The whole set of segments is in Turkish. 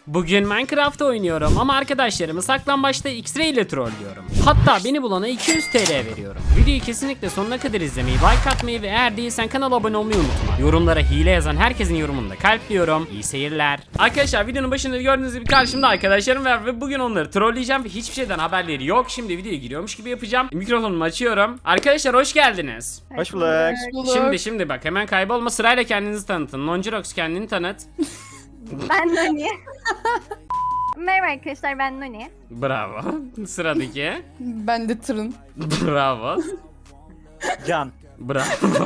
Bugün Minecraft oynuyorum ama arkadaşlarımı saklambaçta X-Ray ile trollüyorum. Hatta beni bulana 200 TL veriyorum. Videoyu kesinlikle sonuna kadar izlemeyi, like atmayı ve eğer değilsen kanala abone olmayı unutma. Yorumlara hile yazan herkesin yorumunu da kalpliyorum. İyi seyirler. Arkadaşlar videonun başında gördüğünüz gibi karşımda arkadaşlarım var ve bugün onları trolleyeceğim ve hiçbir şeyden haberleri yok. Şimdi videoya giriyormuş gibi yapacağım. Mikrofonumu açıyorum. Arkadaşlar hoş geldiniz. Hoş bulduk. Şimdi bak hemen kaybolma, sırayla kendinizi tanıtın. Nonjirox kendini tanıt. Ben Noni. Merhaba arkadaşlar, ben Noni. Bravo. Sıradaki. Ben de tırın. Bravo. Can. Bravo.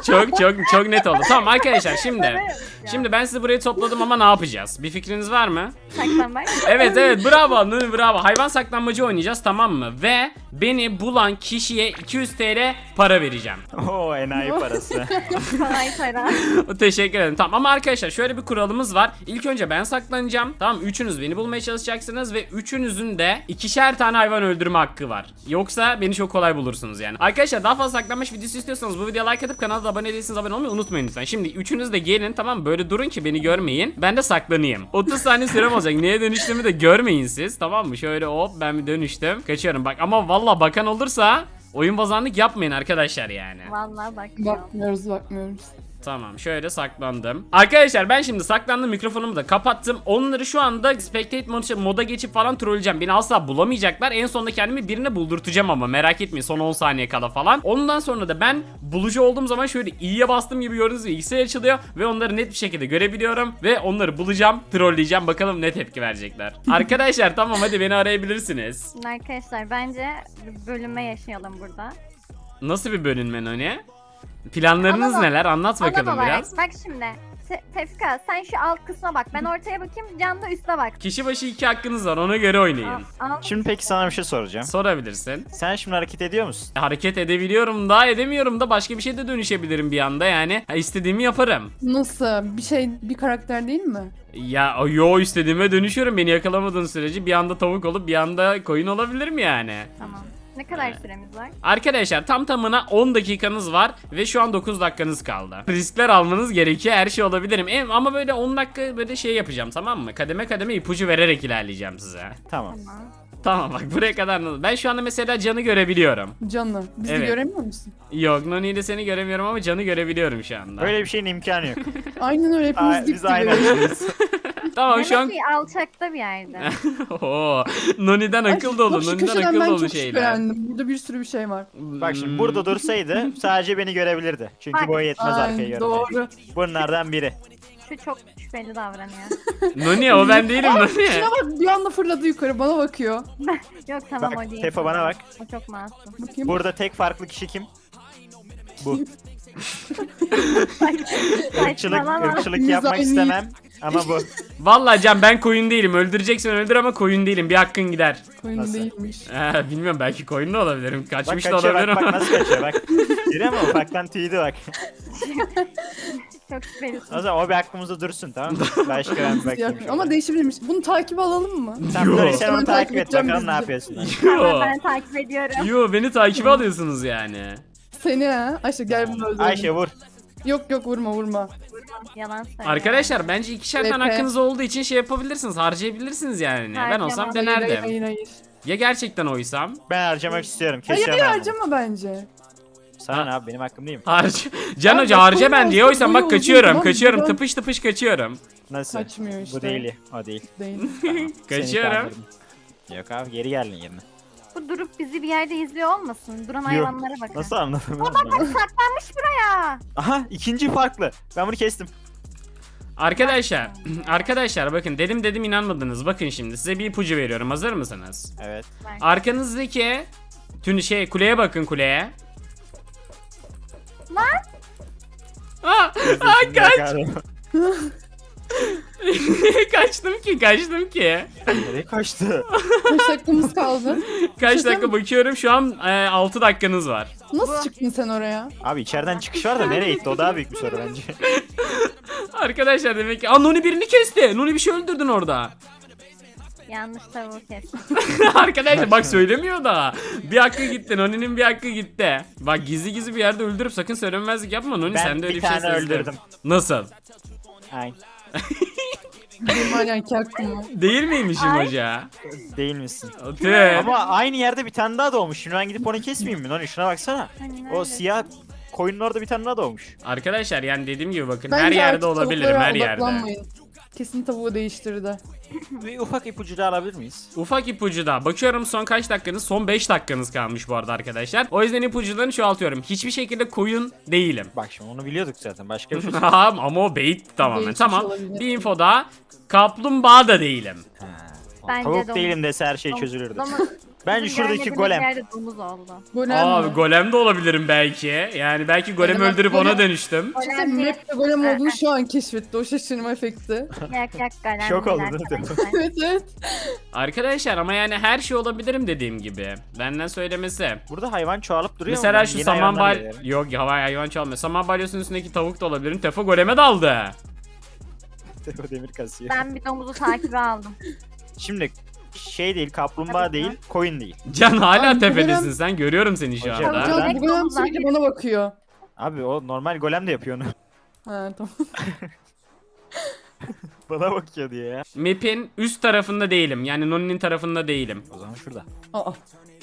çok net oldu. Tamam arkadaşlar şimdi ben sizi buraya topladım ama ne yapacağız? Bir fikriniz var mı? Saklambaç. Evet bravo Nuri, bravo. Hayvan saklanmacı oynayacağız, tamam mı? Ve beni bulan kişiye 200 TL para vereceğim. Oo, enayi parası. Kolay para. Teşekkür ederim. Tamam ama arkadaşlar şöyle bir kuralımız var. İlk önce ben saklanacağım. Tamam, üçünüz beni bulmaya çalışacaksınız ve üçünüzün de ikişer tane hayvan öldürme hakkı var. Yoksa beni çok kolay bulursunuz yani. Arkadaşlar daha fazla saklanmaç videosu istiyorsanız bu videoya like atıp kanala da abone değilseniz abone olmayı unutmayın lütfen. Şimdi üçünüz de gelin, tamam mı? Böyle durun ki beni görmeyin. Ben de saklanayım. 30 saniye sürem olacak. Neye dönüştüğümü de görmeyin siz. Tamam mı? Şöyle hop ben bir dönüştüm. Kaçıyorum bak, ama valla bakan olursa oyun bozanlık yapmayın arkadaşlar yani. Vallahi bak. Bakmıyoruz. Tamam, şöyle saklandım. Arkadaşlar ben şimdi saklandım, mikrofonumu da kapattım. Onları şu anda spectate moda geçip falan trolleyeceğim. Beni asla bulamayacaklar. En sonunda kendimi birine buldurtacağım ama merak etmeyin, son 10 saniye kala falan. Ondan sonra da ben bulucu olduğum zaman şöyle i'ye bastığım gibi gördüğünüz gibi X'e açılıyor. Ve onları net bir şekilde görebiliyorum. Ve onları bulacağım, trolleyeceğim. Bakalım ne tepki verecekler. Arkadaşlar tamam, hadi beni arayabilirsiniz. Arkadaşlar bence bölünme yaşayalım burada. Nasıl bir bölünme Noni? Planlarınız Alan- neler? Anlat Alan bakalım olarak, biraz. bak şimdi. Tefka sen şu alt kısma bak. Ben ortaya bakayım. Can da üste bak. Kişi başı 2 hakkınız var, ona göre oynayın. Şimdi peki sana bir şey soracağım. Sorabilirsin. Sen şimdi hareket ediyor musun? Hareket edebiliyorum da edemiyorum da, başka bir şey de dönüşebilirim bir anda yani. İstediğimi yaparım. Nasıl? Bir karakter değil mi? Ya yo, istediğime dönüşüyorum, beni yakalamadığın sürece bir anda tavuk olup bir anda koyun olabilirim yani. Tamam. Ne kadar süremiz var? Arkadaşlar tam tamına 10 dakikanız var ve şu an 9 dakikanız kaldı. Riskler almanız gerekiyor, her şey olabilirim. Ama böyle 10 dakika böyle şey yapacağım, tamam mı? Kademe kademe ipucu vererek ilerleyeceğim size. Tamam. Tamam. Tamam bak, buraya kadar. Ben şu anda mesela Can'ı görebiliyorum. Canlı. Bizi Evet. göremiyor musun? Yok, Noni ile seni göremiyorum ama Can'ı görebiliyorum şu anda. Böyle bir şeyin imkanı yok. Aynen öyle, hepimiz dip Biz aynı gibi. açıyız. Tamam şu an. Demek ki alçakta bir yerde. Oo, Noni'den akıl dolu, Bak şu Noni'den köşeden akıl ben dolu çok şeyler. şüphelendim. Burada bir sürü bir şey var. Bak şimdi burada dursaydı sadece beni görebilirdi. Çünkü Bak. boyu yetmez arkaya Ay, görmeye. doğru. Bunlardan biri. Şu çok şüpheli davranıyor. Noni o ben değilim Noni. Şuna bak, bir anda fırladı yukarı, bana bakıyor. Yok tamam, Bak, o değil. Tefa bana bak. O çok masum. Bakayım. Burada tek farklı kişi kim? Bu. Saçmalama. Irkçılık yapmak Mizahi. istemem. Ama bu. Vallahi Can, ben koyun değilim. Öldüreceksen öldür ama koyun değilim. Bir hakkın gider. Koyun Nasıl? değilmiş. Bilmiyorum, belki koyun da olabilirim. Bak Kaçmış da kaçıyor, olabilirim. bak nasıl kaçıyor bak. Görüyor musun? Ufaktan tüydü bak. Çok şüphelisin. O zaman o bir hakkımızda dursun, tamam mı? Başka ben bir bakayım. şöyle. Ama değişebilirmiş. Bunu takip alalım mı? Sen Yo. Nuri, sen onu Ben takip takip et edeceğim bakalım ne bizi. yapıyorsun. Tamam, Yo. ben takip ediyorum. Yo, beni takip alıyorsunuz yani. Seni ha? Ayşe gel bunu öldürelim. Ayşe vur. Yok vurma. Yalan söylüyor. Arkadaşlar bence ikişer tane Epe. hakkınız olduğu için şey yapabilirsiniz. Harcayabilirsiniz yani. Ben Harcamam. olsam Hayır, denerdim. hayır. Ya gerçekten oysam? Ben harcamak istiyorum. Hayır Kesiyorum ben bunu. harcama bence. Sana ne abi, benim hakkım değil mi? Can Abi Hoca bak, harca koyun ben diye olsa oysam boyu bak, uzun, kaçıyorum tamam, kaçıyorum, buradan- tıpış tıpış kaçıyorum. Nasıl? Kaçmıyor işte. Bu değil. O değil. Değil. Seni Kaçıyorum. kandırdım. Yok abi, geri geldin yerine. Bu durup bizi bir yerde izliyor olmasın. Duran hayvanlara bakın. Nasıl anladın? Saklanmış buraya. Aha, ikinci farklı. Ben bunu kestim. Arkadaşlar bakın, dedim inanmadınız. Bakın şimdi size bir ipucu veriyorum. Hazır mısınız? Evet. Arkanızdaki kuleye bakın, kuleye. Lan. Kaç. Kaçtım ki. Nereye kaçtı? Kaç dakikamız kaldı? Kaç dakika bakıyorum şu an, 6 dakikanız var. Nasıl çıktın sen oraya? Abi içeriden çıkış var da nereye gitti? O daha büyük bir soru bence. Arkadaşlar demek ki Noni birini kesti. Noni bir şey öldürdün orada. Yanlış tavuğu kestim. Arkadaşlar bak, söylemiyor da. Bir hakkı gitti. Noni'nin bir hakkı gitti. Bak gizli bir yerde öldürüp sakın söylemezlik yapma Noni, Ben sen de öyle bir bir şey tane sezdim. öldürdüm. Nasıl? Aynen. Benim hala iki hakkım var. Değil miymişim Ay. hoca? Değil misin? Tüh. Ama aynı yerde bir tane daha doğmuş. Şimdi ben gidip onu kesmeyeyim mi? Noni şuna baksana. Hani O nerede? siyah koyunun orada bir tane daha doğmuş. Arkadaşlar yani dediğim gibi bakın Bence her yerde artık olabilirim, tavuklara her yerde. odaklanmayın. Kesin tavuğu değiştirdi. Bir ufak ipucu da alabilir miyiz? Ufak ipucu da. Bakıyorum son kaç dakikanız? Son 5 dakikanız kalmış bu arada arkadaşlar. O yüzden ipucularını çoğaltıyorum. Hiçbir şekilde koyun değilim. Bak şimdi onu biliyorduk zaten. Başka bir şey. Ama o bait tamamen. Bait Tamam. olabilir. Bir info daha. Kaplumbağa da değilim. Ha. Bence Tavuk domuz. değilim dese her şey Domuz- çözülürdü. domuz- Bence Bizim şuradaki görmediğimiz golem. yerde domuz oldu. Golem Abi mi? golem de olabilirim belki. Yani belki golem Golem- öldürüp ona golem- dönüştüm. İşte Golem değil. map'te golem olduğunu şu an keşfetti. O şaşırma efekti. Yak golem. Şok değil oldu, değil mi? arkadaşlar. Evet evet. Arkadaşlar ama yani her şey olabilirim dediğim gibi. Benden söylemesi. Burada hayvan çoğalıp duruyor mu? Mesela Ben şu yeni saman hayvanlar bal... görüyorum. Yok ya hayvan çalmıyor. Saman balyosunun üstündeki tavuk da olabilirim. Tefo goleme daldı. O demir kasıyor. Ben bir domuzu takibe aldım. Şimdi şey değil, kaplumbağa Tabii değil, koyun değil. Can hala Abi bu tepedesin golem- sen. Görüyorum seni şu Hocam, anda. ben- Can bu golem sürekli bana bakıyor. Abi o normal golem de yapıyor onu. Ha tamam. Bana bakıyor diye ya. Map'in üst tarafında değilim. Yani Noni'nin tarafında değilim. O zaman şurada. Aa.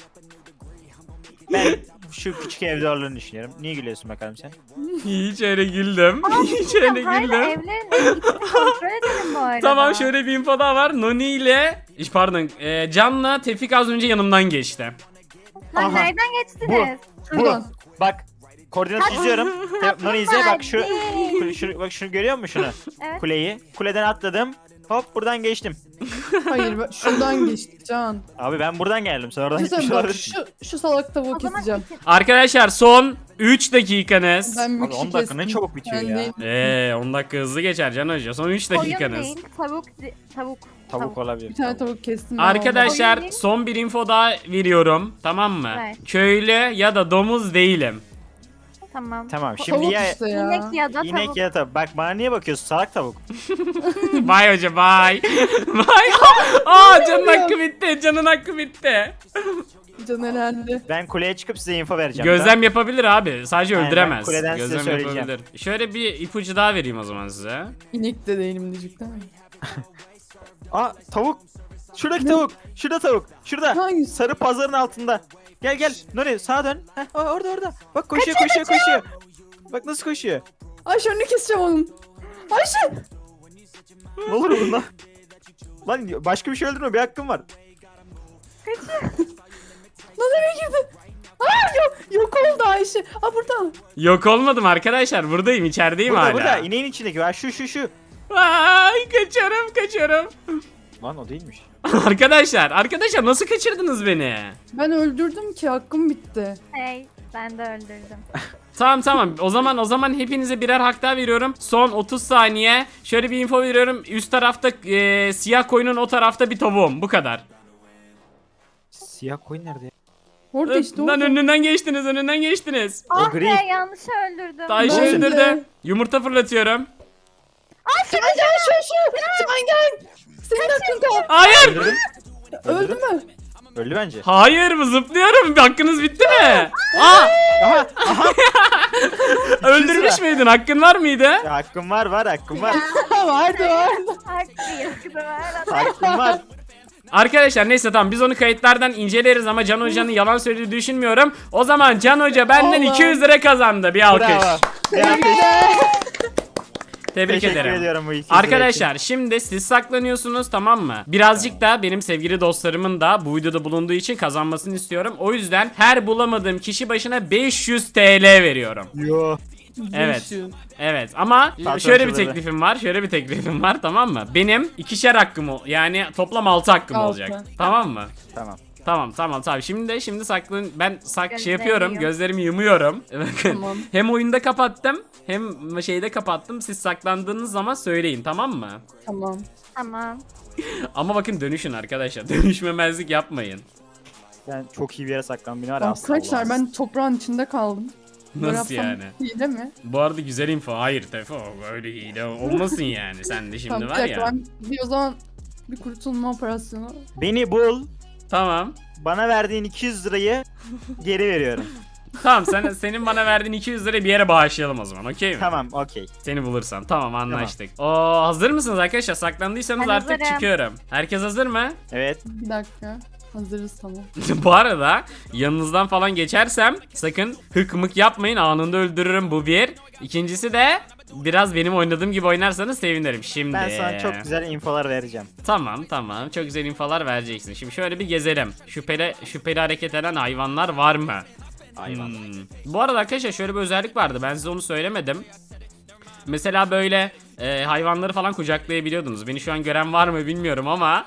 Ben şu küçük evde olduğunu düşünüyorum. Niye gülüyorsun bakalım sen? Hiç öyle güldüm. Hiç öyle Hayır güldüm. evlerin içini kontrol edelim bu arada. Tamam şöyle bir info daha var. Noni ile pardon Can'la Tevfik az önce yanımdan geçti. Lan Aha. nereden geçtiniz? Şuradan. Bak koordinat çiziyorum. Noni izle bak şu, Hadi. bak şunu görüyor musun şunu? Evet. Kuleyi. Kuleden atladım. Hop buradan geçtim. Hayır şuradan geçti Can. Abi ben buradan geldim. Sen oradan Güzel gitmiş bak olabilirsin. şu salak tavuğu O zaman keseceğim. Arkadaşlar son 3 dakikanız. Ben bir Abi kişi 10 dakika ne kestim. çabuk bitiyor Ben ya. değil. 10 dakika hızlı geçer Can Hoca. Son 3 Koyun dakikanız. değil, tavuk, tavuk. Tavuk olabilir. Bir tane tavuk kestim. ben Arkadaşlar Koyun değil. son bir info daha veriyorum. Tamam mı? Evet. Köylü ya da domuz değilim. Tamam. Tamam olmadı. şimdi Tavuk ya işte ya. İnek ya da inek tavuk. ya tavuk. Bak bana niye bakıyorsun salak tavuk? Bye hoca bye. Bye. Aa canın hakkı bitti. Canın hakkı bitti. Can elendi. Ben kuleye çıkıp size info vereceğim. Gözlem yapabilir abi. Sadece Aynen, öldüremez. ben kuleden size Gözlem söyleyeceğim. yapabilir. Şöyle bir ipucu daha vereyim o zaman size. İnek de değilim diyecek değil mi? Aa tavuk. Şuradaki tavuk. Şurada tavuk. Şurada. Hangisi? Sarı pazarın altında. Gel gel. Nuri sağa dön. Heh, orada. Bak koşuyor koşuyor. Bak nasıl koşuyor. Ayşe önünü keseceğim onun. Ayşe! Ne olur bundan? Lan başka bir şey öldürme bir hakkım var. Lan eve girdi. Aa yok oldu Ayşe. Aa burada. Yok olmadım arkadaşlar. Buradayım. içerideyim Burada hala. burada ineğin içindeki var şu. Ay kaçıyorum. Lan o değilmiş. Arkadaşlar nasıl kaçırdınız beni? Ben öldürdüm ki hakkım bitti. Hey, ben de öldürdüm. Tamam. O zaman hepinize birer hak daha veriyorum. Son 30 saniye. Şöyle bir info veriyorum. Üst tarafta siyah koyunun o tarafta bir tavuğum. Bu kadar. Siyah koyun nerede ya? Orada işte Lan orada. önünden geçtiniz. Ah gri. be yanlış öldürdüm. Ayşe Ben de. öldürdü. Yumurta fırlatıyorum. Can gel. Senin hakkın kaldı. Hayır. Öldürdüm. Öldü mü? Öldü bence. Hayır mı zıplıyorum? Hakkınız bitti mi? Aa, Aha öldürmüş müydün? Hakkın var mıydı? ya, hakkım var hakkım var. vardı. Haklıyız kızım. Hakkım var. Arkadaşlar neyse tamam biz onu kayıtlardan inceleriz ama Can Hoca'nın yalan söylediğini düşünmüyorum. O zaman Can Hoca benden Allah. 200 lira kazandı. Bir alkış. Bravo. Ya, Tebrik teşekkür ederim. ediyorum bu 200 Arkadaşlar şimdi siz saklanıyorsunuz tamam mı? Birazcık da benim sevgili dostlarımın da bu videoda bulunduğu için kazanmasını istiyorum. O yüzden her bulamadığım kişi başına 500 TL veriyorum. Yo. Evet. Evet ama Patron şöyle bir çıldırdı. teklifim var tamam mı? Benim ikişer hakkım yani toplam 6 hakkım Altı. olacak. Tamam mı? Tamam. Tamam. Şimdi saklan ben şey Gözlerini yapıyorum. yum. Gözlerimi yumuyorum. Bakın. Tamam. Hem oyunda kapattım hem şeyde kapattım. Siz saklandığınız zaman söyleyin tamam mı? Tamam. Tamam. Ama bakın dönüşün arkadaşlar. Dönüşmemezlik yapmayın. Ben çok iyi bir yere saklandım. Beni var ya, Arkadaşlar Allah'ım. ben toprağın içinde kaldım. Böyle Nasıl yapsam yani? İyi değil mi? Bu arada güzel info. Hayır Tefo öyle hile olmasın yani. Sen de şimdi Tamam, bir var dakika, ya. ben bir o zaman bir kurtulma operasyonu. Beni bul. Tamam. Bana verdiğin 200 lirayı geri veriyorum. Tamam senin bana verdiğin 200 lirayı bir yere bağışlayalım o zaman, okey mi? Tamam okey. Seni bulursam. Tamam, anlaştık. Oo, hazır mısınız arkadaşlar? Saklandıysanız Ben artık hazırım. çıkıyorum. Herkes hazır mı? Evet. Bir dakika. Hazırız tamam. Bu arada yanınızdan falan geçersem sakın hık mık yapmayın, anında öldürürüm, bu bir. İkincisi de biraz benim oynadığım gibi oynarsanız sevinirim. Şimdi. Ben sana çok güzel infolar vereceğim. Tamam çok güzel infolar vereceksin. Şimdi şöyle bir gezelim. Şüpheli hareket eden hayvanlar var mı? Hayvan. Bu arada arkadaşlar şöyle bir özellik vardı, ben size onu söylemedim. Mesela böyle hayvanları falan kucaklayabiliyordunuz. Beni şu an gören var mı bilmiyorum ama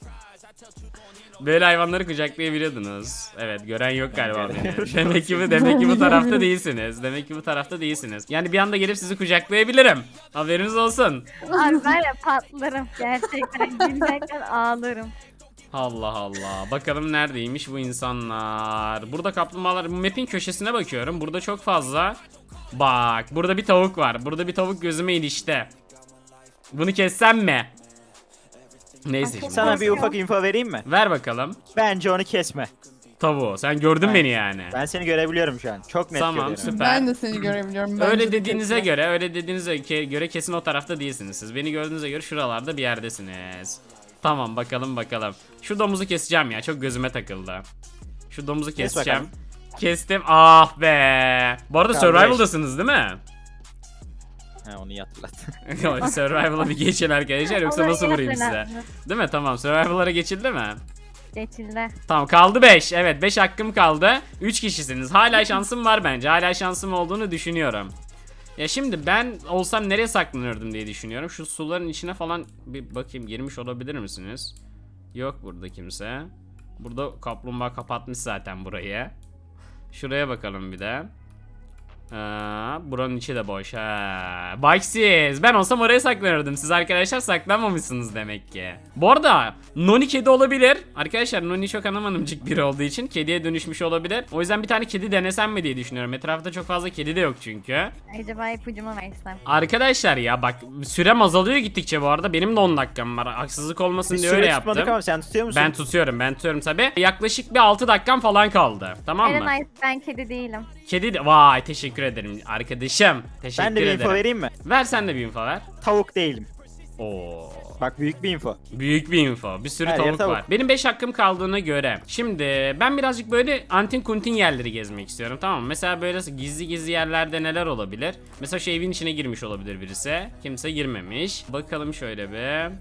böyle hayvanları kucaklayabiliyordunuz. Evet, gören yok galiba beni. Demek ki bu tarafta değilsiniz. Demek ki bu tarafta değilsiniz. Yani bir anda gelip sizi kucaklayabilirim. Haberiniz olsun. Abi var ya patlarım gerçekten. Gülmekten ağlarım. Allah Allah. Bakalım neredeymiş bu insanlar. Burada kaplumbağalar. Map'in köşesine bakıyorum. Burada çok fazla. Bak, burada bir tavuk var. Burada bir tavuk gözüme ilişti. Bunu kessem mi? Neyse şimdi. Sana bir ufak info vereyim mi? Ver bakalım. Bence onu kesme. Tavuğu. Sen gördün Ben- beni yani. Ben seni görebiliyorum şu an. Çok net Tamam, görüyorum. süper. Ben de seni görebiliyorum. Bence Öyle de dediğinize kesin. göre kesin o tarafta değilsiniz siz. Beni gördüğünüze göre şuralarda bir yerdesiniz. Tamam, bakalım. Şu domuzu keseceğim ya, çok gözüme takıldı. Şu domuzu keseceğim. bakalım. Kestim. Ah be. Bu arada Kardeş. survival'dasınız değil mi? Ha, onu iyi hatırlat. Survival'a bir geçin arkadaşlar, yoksa Ama nasıl vurayım size? hatırlatma. Değil mi? Tamam, survival'lara geçildi mi? Geçildi. Tamam, kaldı 5. Evet, 5 hakkım kaldı. 3 kişisiniz. Hala şansım var bence. Hala şansım olduğunu düşünüyorum. Ya şimdi ben olsam nereye saklanırdım diye düşünüyorum. Şu suların içine falan bir bakayım, girmiş olabilir misiniz? Yok burada kimse. Burada kaplumbağa kapatmış zaten burayı. Şuraya bakalım bir de. Buranın içi de boş. Bak siz, ben olsam oraya saklanırdım. Siz arkadaşlar saklanmamışsınız demek ki. Bu arada Noni kedi olabilir. Arkadaşlar Noni çok anamanımcık biri olduğu için kediye dönüşmüş olabilir. O yüzden bir tane kedi denesem mi diye düşünüyorum. Etrafta çok fazla kedi de yok çünkü. Acaba ipucumu versem. Arkadaşlar ya bak, sürem azalıyor gittikçe bu arada. Benim de 10 dakikam var. Haksızlık olmasın Biz diye öyle süre tutmadık yaptım. ama sen tutuyor musun? Ben tutuyorum tabi. Yaklaşık bir 6 dakikam falan kaldı. Tamam mı? Eren ben kedi değilim. Kedi de... Vay, teşekkür ederim arkadaşım. Teşekkür Ben de bir ederim. info vereyim mi? Ver sen de bir info ver. Tavuk değilim. Oo. Bak büyük bir info. Büyük bir info. Bir sürü Her yer tavuk tavuk. var. Benim 5 hakkım kaldığına göre. Şimdi ben birazcık böyle antin kuntin yerleri gezmek istiyorum, tamam mı? Mesela böyle gizli yerlerde neler olabilir? Mesela şu evin içine girmiş olabilir birisi. Kimse girmemiş. Bakalım şöyle bir.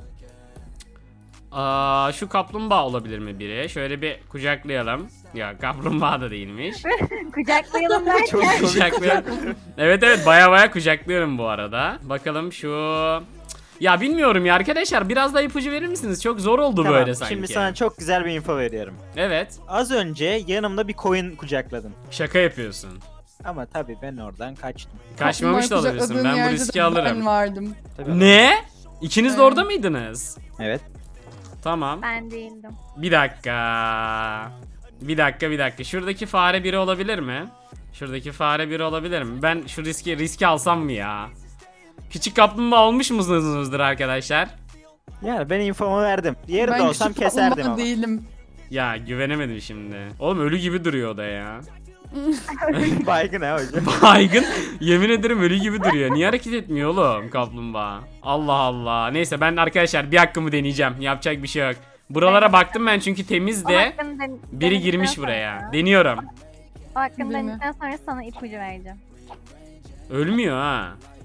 Şu kaplumbağa olabilir mi biri? Şöyle bir kucaklayalım. Ya kaplumbağa da değilmiş. Kucaklayalım derken. Çok komik. Kucaklıyorum. Evet baya kucaklıyorum bu arada. Bakalım şu... Ya bilmiyorum ya arkadaşlar, biraz daha ipucu verir misiniz? Çok zor oldu Tamam, böyle sanki. şimdi sana çok güzel bir info veriyorum. Evet. Az önce yanımda bir koyun kucakladım. Şaka yapıyorsun. Ama tabii ben oradan kaçtım. Kaçmamış da Kaplumbağayı olabilirsin. kucakladığın Ben bu yerde riski de alırım. Ben vardım. Tabii Ne? İkiniz de Evet. orada mıydınız? Evet. Tamam. Ben değildim. Bir dakika. Bir dakika. Şuradaki fare biri olabilir mi? Şuradaki fare biri olabilir mi? Ben şu riski alsam mı ya? Küçük kaplumbağa olmuş musunuzdur arkadaşlar? Yani ben infomu verdim. Diğeri de Ben olsam küçük keserdim kaplumbağa ama. değilim. Ya güvenemedim şimdi. Oğlum ölü gibi duruyor o da ya. Baygın ha hocam. Baygın. Yemin ederim ölü gibi duruyor. Niye hareket etmiyor oğlum kaplumbağa? Allah Allah. Neyse ben arkadaşlar bir hakkımı deneyeceğim. Yapacak bir şey yok. Buralara baktım ben çünkü temizdi. Biri girmiş buraya. Deniyorum. O hakkını Değil mi? denedikten sonra sana ipucu vereceğim. Ölmüyor ha.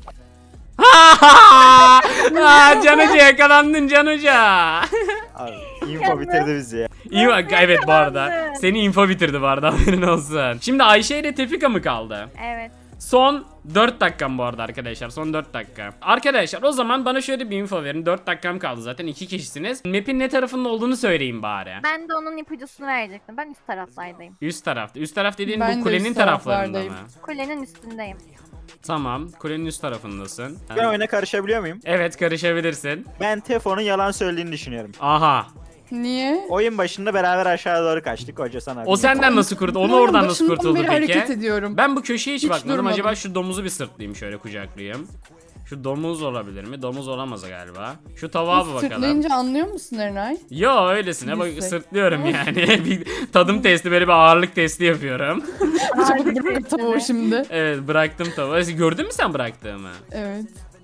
Can Hoca yakalandın Can Hoca. Abi, info bitirdi bizi ya. İyi bak, evet bu arada. yakalandın? Seni info bitirdi bu arada, haberin olsun. Şimdi Ayşe ile Tefika mı kaldı? Evet. Son 4 dakikam bu arada arkadaşlar. Son 4 dakika. Arkadaşlar o zaman bana şöyle bir info verin. 4 dakikam kaldı zaten. 2 kişisiniz. Map'in ne tarafında olduğunu söyleyin bari. Ben de onun ipucusunu verecektim. Ben üst taraflardayım. Üst tarafta. Üst taraf dediğin Ben bu de kulenin üst taraflarında mı? taraflardayım. Kulenin üstündeyim. Tamam. Kulenin üst tarafındasın. Ben oyuna karışabiliyor muyum? Evet, karışabilirsin. Ben Tefo'nun yalan söylediğini düşünüyorum. Aha. Niye? Oyun başında beraber aşağı doğru kaçtık. Hoca sana. O senden nasıl kurtuldu? Onu Ben oradan nasıl başından kurtuldu beri peki? hareket ediyorum. Ben bu köşeye hiç Hiç bakmadım. durmadım. Acaba şu domuzu bir sırtlayayım, şöyle kucaklayayım. Şu domuz olabilir mi? Domuz olamaz galiba. Şu tavuğa bir bakalım. Sırtlayınca anlıyor musun Erenay? Yo öylesine bak Yüksek. sırtlıyorum yani. Bir tadım testi, böyle bir ağırlık testi yapıyorum. Çabuk bırak tavuğu şimdi. Evet, bıraktım tavuğu. Gördün mü sen bıraktığımı? Evet.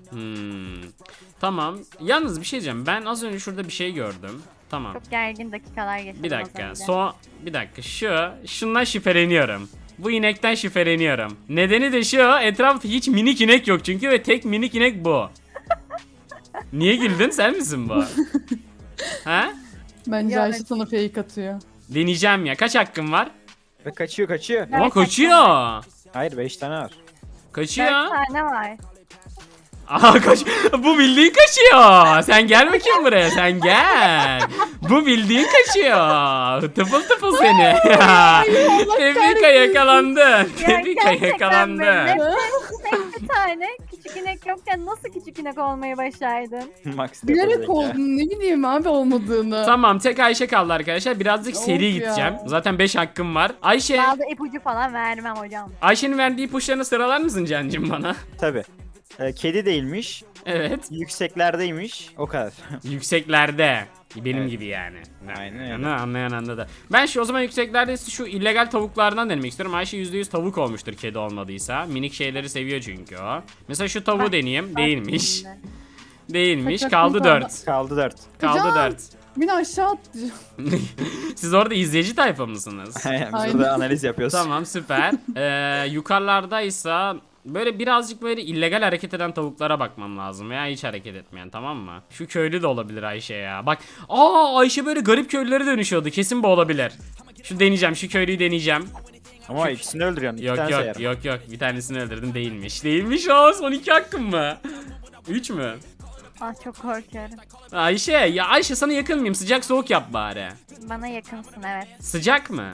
Tamam. Yalnız bir şey diyeceğim. Ben az önce şurada bir şey gördüm. Tamam. Çok gergin dakikalar geçirdim Bir az dakika. önce. Bir dakika. Şundan şüpheleniyorum. Bu inekten şüpheleniyorum. Nedeni de şu. Etrafta hiç minik inek yok çünkü ve tek minik inek bu. Niye güldün? Sen misin bu? Ha? Bence Ya, Ayşe sana fake atıyor. Deneyeceğim ya. Kaç hakkım var? Ve kaçıyor kaçıyor. Ama kaçıyor. Hayır 5 tane var. Kaçıyor. 4 tane var. Aha kaç. Bu bildiğin kaçıyor. Sen gel bakayım buraya. Sen gel. Bu bildiğin kaçıyor. Tıfıl tıfıl seni. Tebrika yakalandın. Tebrika gerçekten yakalandın. böyle. Tek bir tane küçük inek yokken nasıl küçük inek olmayı başardın? Max Bilerek oldun, ne bileyim abi olmadığını. Tamam, tek Ayşe kaldı arkadaşlar. Birazcık Of seri ya. gideceğim. Zaten 5 hakkım var. Ayşe. Bazı ipucu falan vermem hocam. Ayşe'nin verdiği ipuçlarını sıralar mısın Cancım bana? Tabii. Kedi değilmiş. Evet. Yükseklerdeymiş. O kadar. Yükseklerde. Benim Evet. gibi yani. Aynen Yani öyle. anlayan anladı. Ben o zaman yükseklerde şu illegal tavuklardan denemek istiyorum. Ayşe %100 tavuk olmuştur kedi olmadıysa. Minik şeyleri seviyor çünkü o. Mesela şu tavuğu deneyeyim. Değilmiş. Şimdi. Değilmiş. Kaç Kaldı hakkın 4. Kaldı 4. Kaldı Hocam. 4. Beni aşağı attı. Siz orada izleyici tayfa mısınız? Biz Aynen. burada analiz yapıyoruz. Tamam, süper. Yukarılardaysa böyle birazcık böyle illegal hareket eden tavuklara bakmam lazım veya hiç hareket etmeyen, tamam mı? Şu köylü de olabilir Ayşe ya. Bak, Ayşe böyle garip köylülere dönüşüyordu. Kesin bu olabilir. Şu deneyeceğim, şu köylüyü deneyeceğim. Ama ikisini öldürüyorsun. İki Yok tane yok sayarım. yok, bir tanesini öldürdüm, değilmiş. Değilmiş, son 2 hakkım mı? 3 mü? Ah çok korkuyorum. Ayşe sana yakın mıyım? Sıcak soğuk yap bari. Bana yakınsın evet. Sıcak mı?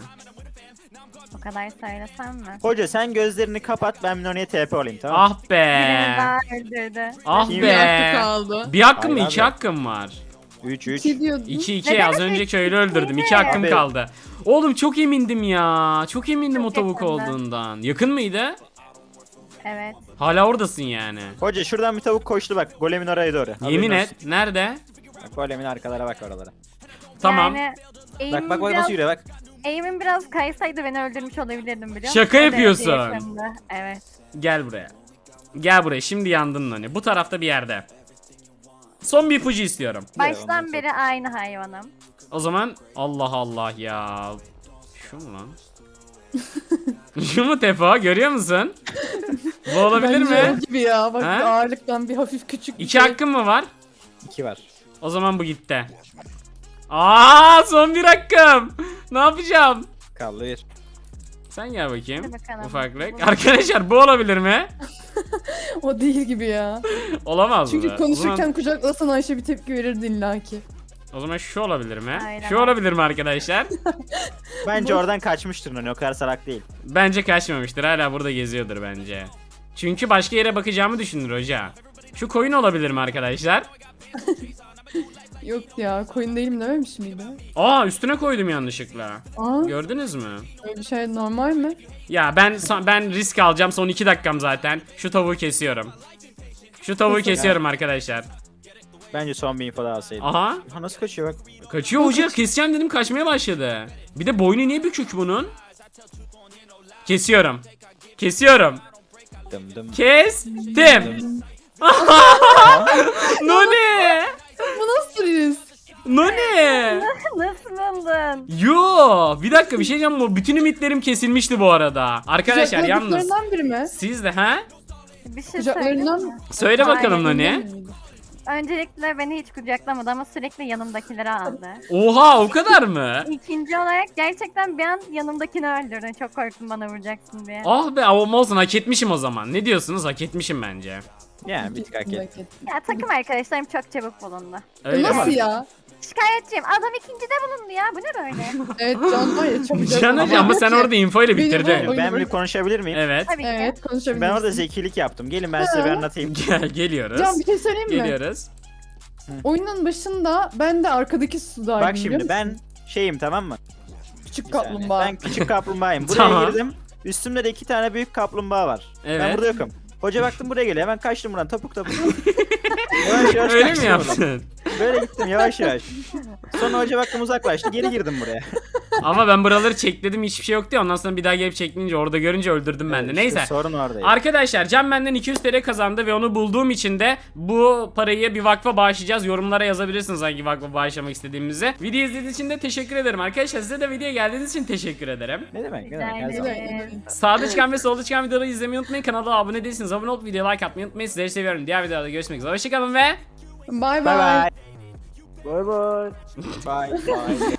O kadar söylesem mi? Hoca sen gözlerini kapat, ben Noni'ye TP olayım, tamam mı? Ah be. Birini daha öldürdü. Ah İyi Bir hakkı be. kaldı. Bir hakkım mı? Hayır 2 abi. hakkım var. 3 3. 2 diyordun. 2 Neden az önce üç? köylü öldürdüm. 2 İki mi? hakkım Abi. kaldı. Oğlum çok emindim ya. Çok emindim Çok o tavuk yakındı. olduğundan. Yakın mıydı? Evet. Hala oradasın yani. Hoca şuradan bir tavuk koştu bak, golemin oraya doğru. Yemin Haberin et. Nerede? olsun. Bak, golemin arkalara bak, oralara. Tamam. Yani Bak bak bak nasıl yürüyor bak. eğimim biraz kaysaydı beni öldürmüş olabilirdim biliyor musun? Şaka O derece yapıyorsun. yakındı. Evet. Gel buraya. Gel buraya. Şimdi yandın Nani. Bu tarafta bir yerde. Son bir ipucu istiyorum. ondan Baştan sonra. beri aynı hayvanım. O zaman Allah Allah ya. Şu mu lan? Şu mu Tefo? Görüyor musun? Bu olabilir Bence o mi? gibi ya. Bak Ha? bir ağırlıktan bir hafif küçük bir 2 şey. hakkım mı var? 2 var. O zaman bu gitti. Son bir hakkım. Ne yapacağım? Kaldı 1. Sen gel bakayım. Hadi bakalım. Ufaklık. Arkadaşlar bu olabilir mi? O değil gibi ya. Olamaz mı? Çünkü konuşurken kucaklasan Ayşe bir tepki verirdi illaki. O zaman şu olabilir mi? Aynen. Şu olabilir mi arkadaşlar? Bence oradan kaçmıştır Noni, o kadar salak değil. Bence kaçmamıştır. Hala burada geziyordur bence. Çünkü başka yere bakacağımı düşünür hoca. Şu koyun olabilir mi arkadaşlar? Yok ya koyun değilim dememiş miydi? Üstüne koydum yanlışlıkla. Aa Gördünüz mü? öyle bir şey normal mi? Ya ben risk alacağım. Son 2 dakikam zaten. Şu tavuğu kesiyorum. Şu tavuğu kesiyorum arkadaşlar. Bence son bir info daha alsaydım. Aha. Ha nasıl kaçıyor bak. Kaçıyor hoca. Keseceğim dedim, kaçmaya başladı. Bir de boynu niye bükük bunun? Kesiyorum. Kesiyorum. Dım dım. Kestim. Noni. Bu nasıl risk? Noni. Nasıl buldun? Yo, bir dakika, bir şey diyeceğim. Bu bütün ümitlerim kesilmişti bu arada. Arkadaşlar yalnız Kucakladıklarından biri mi? siz de Bir şey söyleyeyim Kucaklarından mi? söyle bakalım Aynen. Noni. Öncelikle beni hiç kucaklamadı ama sürekli yanımdakileri aldı. Oha, o kadar mı? İkinci olarak gerçekten bir an yanımdakini öldürdün. Çok korktum bana vuracaksın diye. Ah be, ama olsun, hak etmişim o zaman. Ne diyorsunuz? Hak etmişim bence. Yani bir tık hak etti. Ya takım arkadaşlarım çok çabuk bulundu. Öyle Nasıl mi? ya? Şikayetçiyim. Adam ikincide bulundu ya. Bu ne böyle? Evet Can var ya çabucak. Can hocam, ama sen orada info ile Beni bitirdin. bu- Ben bir konuşabilir miyim? Evet. Tabii ki. Evet konuşabiliriz. Ben orada zekilik yaptım. Gelin ben size bir anlatayım. Geliyoruz. Can bir şey söyleyeyim mi? Geliyoruz. Oyunun başında ben de arkadaki sudaydım. Bak biliyor şimdi musun? ben şeyim, tamam mı? Küçük Bir saniye. kaplumbağa. Ben küçük kaplumbağayım. Buraya Tamam. girdim. Üstümde de 2 tane büyük kaplumbağa var. Ben Evet. burada yokum. Hoca baktım buraya geliyor. Hemen kaçtım buradan topuk topuk. Yavaş yavaş Öyle mi kaçtım buradan. yaptın? Böyle gittim yavaş yavaş. Sonra hoca baktım uzaklaştı. Geri girdim buraya. Ama ben buraları çekledim, hiçbir şey yoktu ya. Ondan sonra bir daha gelip çekleyince orada görünce öldürdüm ben de. İşte Neyse. sorun oradaydı. Arkadaşlar Can benden 200 TL kazandı ve onu bulduğum için de bu parayı bir vakfa bağışlayacağız. Yorumlara yazabilirsiniz hangi vakfa bağışlamak istediğimizi. Video izlediğiniz için de teşekkür ederim arkadaşlar. Size de videoya geldiğiniz için teşekkür ederim. Ne demek? Ne Rica demek? Her zaman. ederim. Sağda çıkan ve solda çıkan videoları izlemeyi unutmayın. Kanala abone değilseniz abone olup videoya like atmayı unutmayın. Sizleri seviyorum. Diğer videoda görüşmek üzere. Hoşçakalın ve Bay Bye bay. bye. Bye bye. Bye bye.